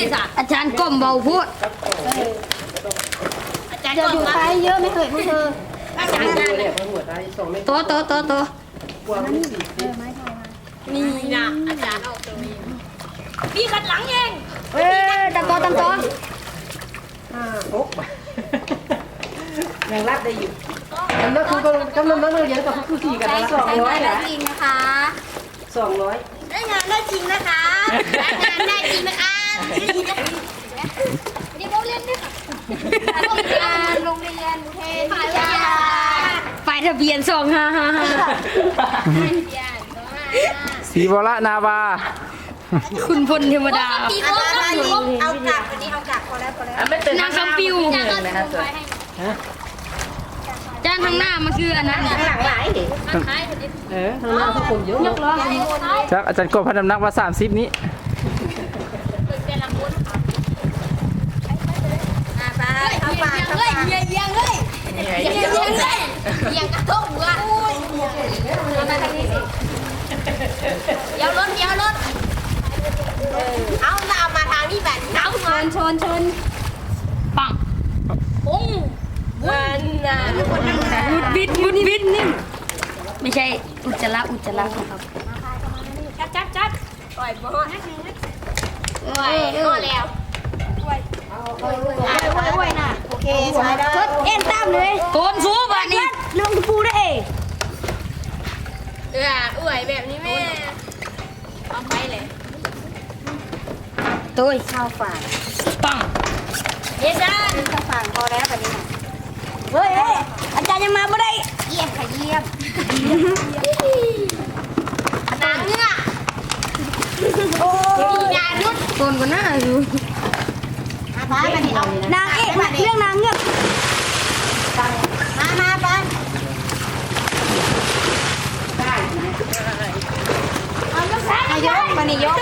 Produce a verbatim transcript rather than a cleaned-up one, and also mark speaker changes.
Speaker 1: ดิสอาจารย์ก้มเบาพูดอาจารย์จะอยู่ไปเยอะไม่เคยพูดเธออาจารย์โตโตโตโตนี่นะอาจารย์ออกตัวเองพี่ขัดหลังเองเอ้ยตะโตตะโต
Speaker 2: อ่าโอ๊ะยังรับได้อยู่กำลังคือกำลังนักเรียนกับผู้สี่กันละสองร้อยนะ
Speaker 1: จริงนะคะ
Speaker 2: สองร้อย
Speaker 1: ได้งานได้จริงนะคะได้งานได้จริงนะคะนี่โรงเรียนด้วยค่ะโรงเรียนโรงเรียนอุเทนวิทยาฝ่ายทะเบียนสองห้าห้าห้า
Speaker 3: สีบละนาวา
Speaker 1: คุณพลเทวดา
Speaker 4: เอากลับวันนี้เอากลับพอแล้วพอแล้ว
Speaker 1: นางคำปิวจานทางหน้ามันคืออันนั้น
Speaker 2: ข้างหลังหลายเออข้างหน้าเขาคุมเยอะยกล้อ
Speaker 3: ครับอาจารย์กบพันน้ำหนักว่าสามสิบนี้
Speaker 1: เข้าปากเข้าปากเยียงเยียงเลยเยียงเยียงเลยเยียงกระทบหัวเอามาทางนี้สิเดี๋ยวรถเดี๋ยวรถเอาเราเอามาทางนี้แบบเอาชนชนชนปังปุ้งวันน่ะมุดบิดมุดบิดนี่ไม่ใช่อุจจาระอุจจาระครับจัดจัดจัดปล่อยบอลโอ้ยโอ้แล้วโอ้ยโอ้ยโอ้ยน่ะโอเคใช่ได้เอ็นตามเลยโกนซูบอันนี้ลงปูได้เองเอออวยแบบนี้แม่เอาไปเลยตุ้ยข้าวฝานปังเยจ้าข้าวฝานพอแล้วแบบนี้นะเฮ้ยอาจารย์ยังมาไม่ได้เยี่ยมค่ะเยี่ยมนางเงือกโอ้ยนางนุชโกนกว่าหน้าอยู่นางเอกเรื่องนางเงือกมามาปันได้เอายกนายกปนิยก